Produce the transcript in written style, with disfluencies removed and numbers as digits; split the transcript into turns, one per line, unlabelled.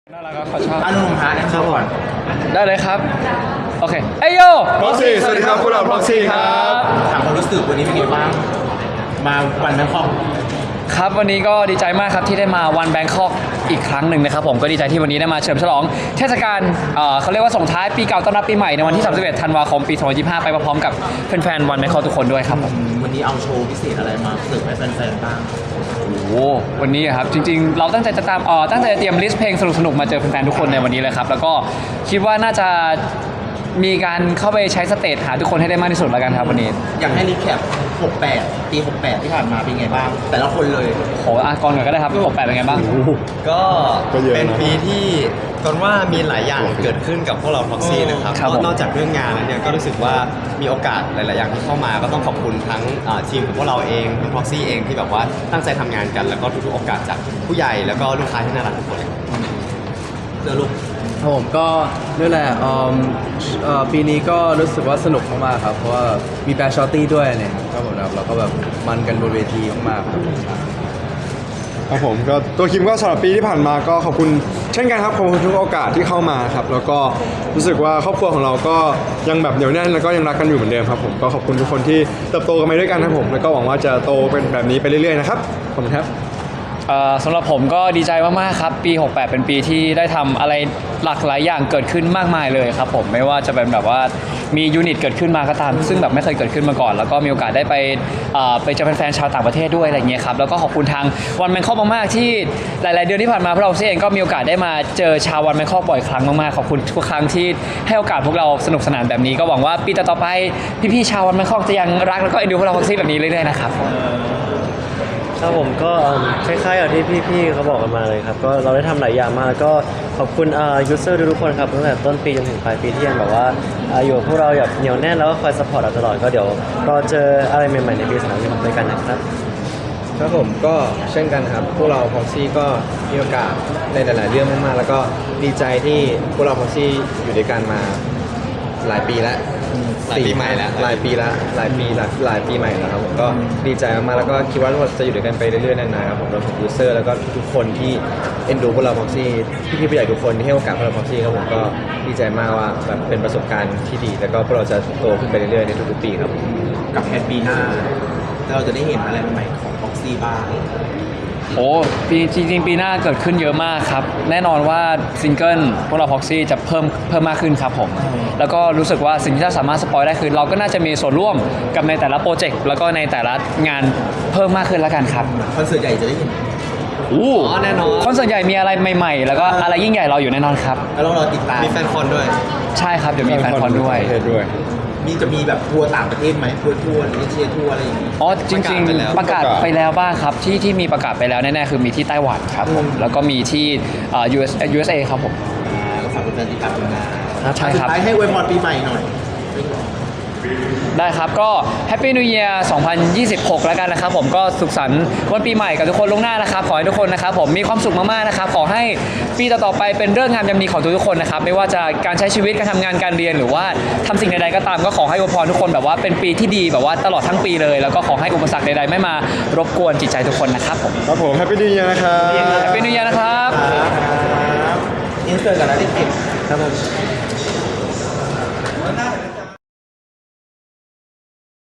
น่ารักครับขอชอบ
อนุมฮะนั่นก่อน
ได้เลยครับ โอเคเอ้ยโย
Proxy สวัสดีครับพวกเรา Proxy ครับ
ถามความรู้สึกวันนี้เป็นไงบ้าง มาวันแบงคอก
ครับวันนี้ก็ดีใจมากครับที่ได้มาวันแบงคอกอีกครั้งหนึ่งนะครับผมก็ดีใจที่วันนี้ได้มาเฉลิมฉลองเทศกาลเขาเรียกว่าส่งท้ายปีเก่าต้อนรับปีใหม่ในวันที่ 31 ธันวาคม ปี 2025 ไปพร้อมๆกับแฟนๆวันแบงคอกทุกคนด้วยครับผม
วันนี้เอาโชว์พิเศษอะไรมาเสิร์ฟให้แฟนๆบ้าง
โอ้โหวันนี้ครับจริงๆ เราตั้งใจจะตั้งใจจะเตรียมลิสต์เพลงสนุกๆมาเจอแฟนๆทุกคนในวันนี้เลยครับแล้วก็คิดว่าน่าจะมีการเข้าไปใช้สเตจหาทุกคนให้ได้มากที่สุดแล้วกันครับวันนี้
อยากให้รีแคป 68 ปี 68 ที่ผ่านมาเป็นไงบ้าง แต่ละคนเลย
โหอากรก่อนก็ได้ครับ68เป็นไงบ้าง
ก็
ก็เยอะนะ
เป็นปีที่ตอนว่ามีหลายอย่างเกิดขึ้นกับพวกเรา Proxy นะครับ
ครับผม
นอกจากเรื่องงานแล้วเนี่ยก็รู้สึกว่ามีโอกาสหลาย ๆ อย่างที่เข้ามาก็ต้องขอบคุณทั้งทีมของพวกเราเองทั้ง Proxy เองที่แบบว่าตั้งใจทำงานกัน แล้วก็ทุก ๆ โอกาสจากผู้ใหญ่แล้วก็ลูกค้าที่น่ารักทุกคนเลย
เจอลูก
ครับผมก็นี่แหละปีนี้ก็รู้สึกว่าสนุกมากๆครับเพราะว่ามีแฟนชอตตี้ด้วยเนี่ยครับผมครับเราก็แบบมันกันบนเวทีมากๆครับ
ครับผมก็ตัวคิมก็สำหรับปีที่ผ่านมาก็ขอบคุณเช่นกันครับขอบคุณทุกโอกาสที่เข้ามาครับแล้วก็รู้สึกว่าครอบครัวของเราก็ยังแบบเหนียวแน่นแล้วก็ยังรักกันอยู่เหมือนเดิมครับผมก็ขอบคุณทุกคนที่เติบโตกันไปด้วยกันครับผมแล้วก็หวังว่าจะโตเป็นแบบนี้ไปเรื่อยๆนะครับขอบคุณครับ
สำหรับผมก็ดีใจมากๆครับปี 68 เป็นปีที่ได้ทำอะไรหลากหลายอย่างเกิดขึ้นมากมายเลยครับผมไม่ว่าจะเป็นแบบว่ามียูนิตเกิดขึ้นมาก็ตามซึ่งแบบไม่เคยเกิดขึ้นมาก่อน แล้วก็มีโอกาสได้ไปเจอแฟนๆชาวต่างประเทศด้วยอะไรเงี้ยครับแล้วก็ขอบคุณทางวันแบงคอกมากๆที่หลายๆเดือนที่ผ่านมาพวกเราเองก็มีโอกาสได้มาเจอชาววันแบงคอกบ่อยครั้งมากๆขอบคุณทุกครั้งที่ให้โอกาสพวกเราสนุกสนานแบบนี้ก็หวังว่าปีต่อๆไปพี่ๆชาววันแบงคอกจะยังรักแล้วก็เอ็นดูพวกเราProxyแบบนี้เรื่อยๆนะครับ
ครับผมก็คล้ายๆกับที่พี่ๆเขาบอกกันมาเลยครับก็เราได้ทำหลายอย่างมากแล้วก็ขอบคุณยูเซอร์ทุกๆคนครับตั้งแต่ต้นปีจนถึงปลายปีที่ยังแบบว่าอยู่กับพวกเราแบบเหนียวแน่นแล้วก็คอยซัพพอร์ตเราตลอดก็เดี๋ยวรอเจออะไรใหม่ๆในปี2026ด้วยกันนะครับ
ครับผมก็เช่นกันครับพวกเรา Proxy ก็มีโอกาสในหลายๆเรื่องมากๆแล้วก็ดีใจที่พวกเรา Proxy อยู่ด้วยกันมาหลายปีแล้ว
หลายปีใหม่แล้ว
หลายปีละหลายปีใหม่แล้วครับผมก็ดีใจมากๆแล้วก็คิดว่าเราจะอยู่ด้วยกันไปเรื่อยๆนานๆครับผมรวมถึงยูเซอร์แล้วก็ทุกคนที่เอ็นดูพวกเรา Proxy พี่ๆผู้ใหญ่ทุกคนที่ให้โอกาสพวกเรา Proxy ครับผมก็ดีใจมากว่าแบบเป็นประสบการณ์ที่ดี แล้วก็พวกเราจะโตขึ้นไปเรื่อยๆในทุกๆปีครับ
กับแพทปีหน้าเราจะได้เห็นอะไรใหม่ๆของ Proxy บ้าง
โอ้ปีจริงๆปีหน้าเกิดขึ้นเยอะมากครับแน่นอนว่าซิงเกิลพวกเรา Proxy จะเพิ่มมากขึ้นครับผมแล้วก็รู้สึกว่าสิ่งที่เราสามารถสปอยได้คือเราก็น่าจะมีส่วนร่วมกับในแต่ละโปรเจกต์แล้วก็ในแต่ละงานเพิ่มมากขึ้นแล้วกันครับ
คอนเสิร์ตใหญ่จะได้เห็น
แน่นอนคอนเสิร์ตใหญ่มีอะไรใหม่ๆ แล้วก็อะไรยิ่งใหญ่รออยู่แน่นอนครับ
แล้วเรารอติดตาม
มีแฟนคอนด้วย
ใช่ครับเดี๋ยวมีแฟนคอนด้วย
จะมีแบบทัวร์ต่างประเทศไหมทัวร์เอเชียทัวร์อะไรอย่างงี้
อ๋อจริงๆประกาศไปแล้วบ้างครับที่มีประกาศไปแล้วแน่ๆคือมีที่ไต้หวันครับผมแล้วก็มีที่USA ครับผม
ก็ฝากแฟนๆติดตามผลงาน
ใช่ครับ
สุดท้ายให้อวยพรปีใหม่หน่อย
ได้ครับก็ Happy New Year 2026 แล้วกันนะครับผมก็สุขสันต์วันปีใหม่กับทุกคนล่วงหน้านะครับขอให้ทุกคนนะครับผมมีความสุขมากๆนะครับขอให้ปีต่อๆไปเป็นเรื่องงามยามดีของทุกๆคนนะครับไม่ว่าจะการใช้ชีวิตการทำงานการเรียนหรือว่าทำสิ่งใดๆก็ตามก็ขอให้อวยพรทุกคนแบบว่าเป็นปีที่ดีแบบว่าตลอดทั้งปีเลยแล้วก็ขอให้อุปสรรคใดๆไม่มารบกวนจิตใจทุกคนนะครับผม
ครับผม Happy New Year นะครับ
Happy New Year นะครับ
อินเสิร์ตกันแล้วติด
ครับผม